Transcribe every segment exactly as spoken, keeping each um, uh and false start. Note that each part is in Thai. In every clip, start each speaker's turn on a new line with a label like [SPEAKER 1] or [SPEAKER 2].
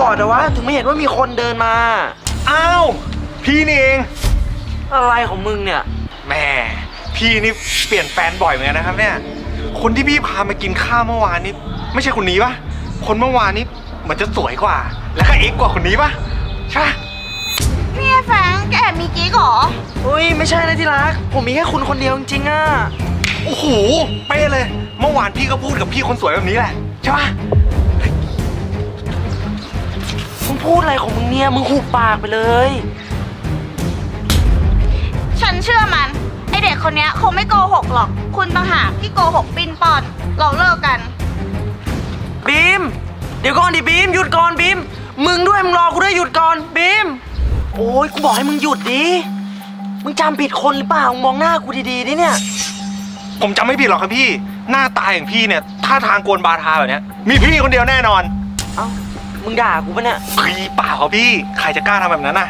[SPEAKER 1] ดอะวะถึงไม่เห็นว่ามีคนเดินมา
[SPEAKER 2] อ้าวพี่นี่เอง
[SPEAKER 1] อะไรของมึงเนี่ย
[SPEAKER 2] แม่พี่นี่เปลี่ยนแฟนบ่อยเหมือนกันนะครับเนี่ยคนที่พี่พามากินข้าวเมื่อวานนี้ไม่ใช่คนนี้ปะคนเมื่อวานนี้เหมือนจะสวยกว่าแล้วก็เอ็กกว่าคนนี้ปะใช่
[SPEAKER 3] พี่แฟรงค์แกแอบมีกิ๊กเหรอ
[SPEAKER 1] อุ้ยไม่ใช่นะที่รักผมมีแค่คุณคนเดียวจริงๆอะ
[SPEAKER 2] โอ้โหเป๊ะเลยเมื่อวานพี่ก็พูดกับพี่คนสวยแบบนี้แหละใช่ปะ
[SPEAKER 1] มึงพูดอะไรของมึงเนี่ยมึงหุบปากไปเลย
[SPEAKER 3] ฉันเชื่อมันไอเด็กคนนี้คงไม่โกหกหรอกคุณต่างหากที่โกหกปิ้นป้อนเราเลิกกัน
[SPEAKER 1] บีมเดี๋ยวก่อนดิบีมหยุดก่อนบีมมึงด้วยมึงรอกูด้วยหยุดก่อนบีมโอ้ยกูบอกให้มึงหยุดดิมึงจำผิดคนหรือเปล่ามึงมองหน้ากูดีๆดิเนี่ย
[SPEAKER 2] ผมจำไม่ผิดหรอกครับพี่หน้าตาอย่างพี่เนี่ยท่าทางโกนบาทาแบบเนี้ยมีพี่คนเดียวแน่นอน
[SPEAKER 1] เอ้ามึงด่ากูปะเนี่ย
[SPEAKER 2] พี่เปล่าครับพี่ใครจะกล้าทำแบบนั้นน่ะ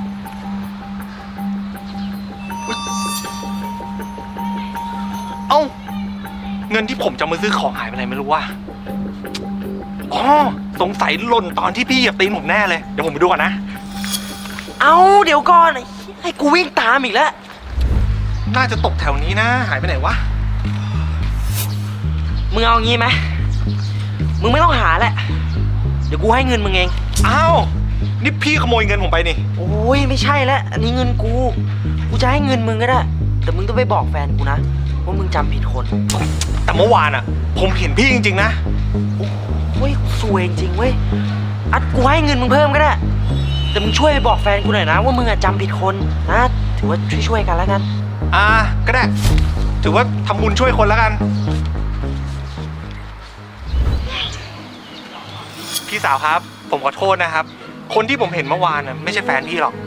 [SPEAKER 2] เอ้าเงินที่ผมจะมาซื้อของหายไปไหนไม่รู้ว่าอ๋อสงสัยหล่นตอนที่พี่เหยียบตีนผมแน่เลยเดี๋ยวผมไปดูก่อนนะ
[SPEAKER 1] เอ้าเดี๋ยวก่อนให้กูวิ่งตามอีกแล้ว
[SPEAKER 2] น่าจะตกแถวนี้นะหายไปไหนวะ
[SPEAKER 1] มึงเอางี้ไหมมึงไม่ต้องหาแหละเดี๋ยวกูให้เงินมึงเอง
[SPEAKER 2] อ้าวนี่พี่ขโมยเงินผมไปนี่
[SPEAKER 1] โอ้ยไม่ใช่แล้วอันนี้เงินกูกูจะให้เงินมึงก็ได้แต่มึงต้องไปบอกแฟนกูนะว่ามึงจำผิดคน
[SPEAKER 2] แต่เมื่อวานอ่ะผมเห็นพี่จริงๆนะ
[SPEAKER 1] โอ้ยสวยจริงเว้ยอัดกูให้เงินมึงเพิ่มก็ได้แต่มึงช่วยไปบอกแฟนกูหน่อยนะว่ามึงอะจำผิดคนนะถือว่าช่วยๆกันแล้วกัน
[SPEAKER 2] อ่าก็ได้ถือว่าทำบุญช่วยคนแล้วกันพี่สาวครับผมขอโทษนะครับคนที่ผมเห็นเมื่อวานน่ะไม่ใช่แฟนพี่หรอก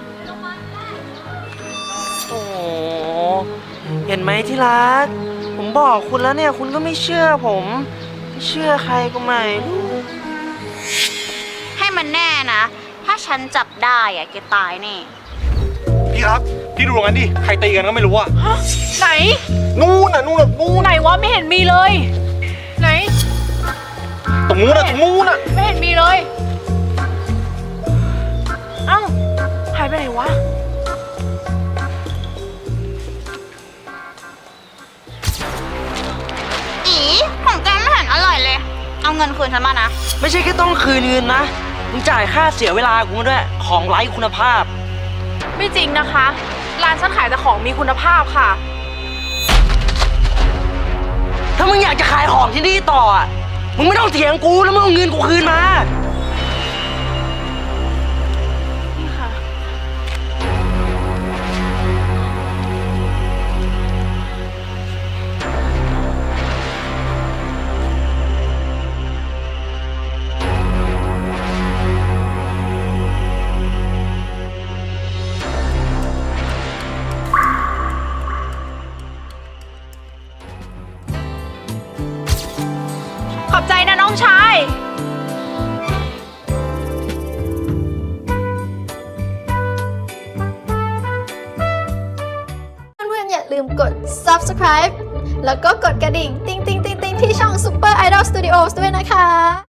[SPEAKER 1] โอ้เห็นไหมที่รักผมบอกคุณแล้วเนี่ยคุณก็ไม่เชื่อผมไม่เชื่อใครก็ไม่รู้
[SPEAKER 3] ให้มันแน่นะถ้าฉันจับได้อะแกตายแน่
[SPEAKER 2] พี่ครับพี่ดูตรงนั้นดิใครตีกันก็ไม่รู้อะ
[SPEAKER 4] ฮะไหน
[SPEAKER 2] นู่นน่ะนู่นน่ะนู่น
[SPEAKER 4] ไหนวะไม่เห็นมีเลยไหน
[SPEAKER 2] ตรงนู้นน่ะตรงนู้นน่ะ
[SPEAKER 4] ไม่เห็นมีเลยเอ้าหายไปไหนวะ
[SPEAKER 3] อีของแกไม่เห็นอร่อยเลยเอาเงินคืนฉันมานะ
[SPEAKER 1] ไม่ใช่แค่ต้องคืนเงินนะมึงจ่ายค่าเสียเวลากูมาด้วยของไร้คุณภาพ
[SPEAKER 4] ไม่จริงนะคะร้านฉันขายแต่ของมีคุณภาพค่ะ
[SPEAKER 1] ถ้ามึงอยากจะขายของที่นี่ต่ออ่ะมึงไม่ต้องเถียงกูแล้วมึงเอาเงินกูคืนมา
[SPEAKER 4] นี่ค่ะขอบใจนะน้องชาย
[SPEAKER 5] เพื่อนๆอย่าลืมกด ซับสไครบ์ แล้วก็กดกระดิ่ง ติ๊งติ๊งติ๊งติ๊งที่ช่อง Super Idol Studios ด้วยนะคะ